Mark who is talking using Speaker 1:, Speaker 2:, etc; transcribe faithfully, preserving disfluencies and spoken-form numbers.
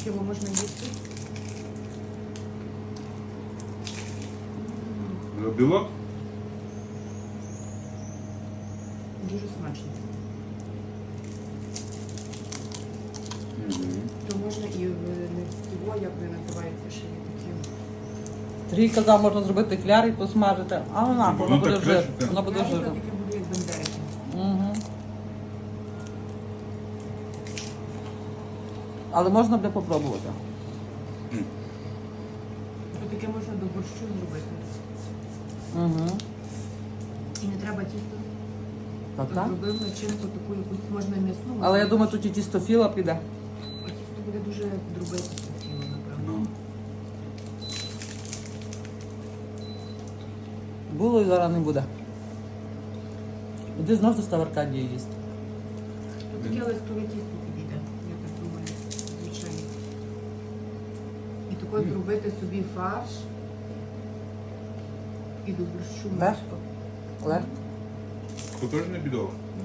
Speaker 1: Такого можна їсти.
Speaker 2: Білок?
Speaker 1: Дуже смачно.
Speaker 2: Угу.
Speaker 1: То можна і в нефтіво, як ви називаєте, ще є такі.
Speaker 3: Сергій казав, можна зробити кляр і посмажити, а вона,
Speaker 2: Воно
Speaker 3: воно буде
Speaker 2: так
Speaker 3: жир.
Speaker 2: кришиться.
Speaker 3: Воно буде
Speaker 1: Знаєте,
Speaker 3: жирно.
Speaker 1: таке буде як бандерики.
Speaker 3: Угу. Але можна буде попробувати.
Speaker 1: То таке можна до борщу зробити.
Speaker 3: Угу.
Speaker 1: І не треба тісто.
Speaker 3: Так, так.
Speaker 1: Зробив начинку таку якусь можна м'ясну.
Speaker 3: Але я думаю, тут і тістофіла піде.
Speaker 1: А тісто буде дуже дробитися тіло, напевно.
Speaker 2: Ну.
Speaker 3: Було і зараз не буде. Іди знов до Ставаркадії їсти.
Speaker 1: То таке листове тісто підійде, я так думаю, звичайно. І такою зробити собі фарш. І до борщу.
Speaker 3: Легко. Легко.
Speaker 2: То теж не бідово.
Speaker 1: Ну,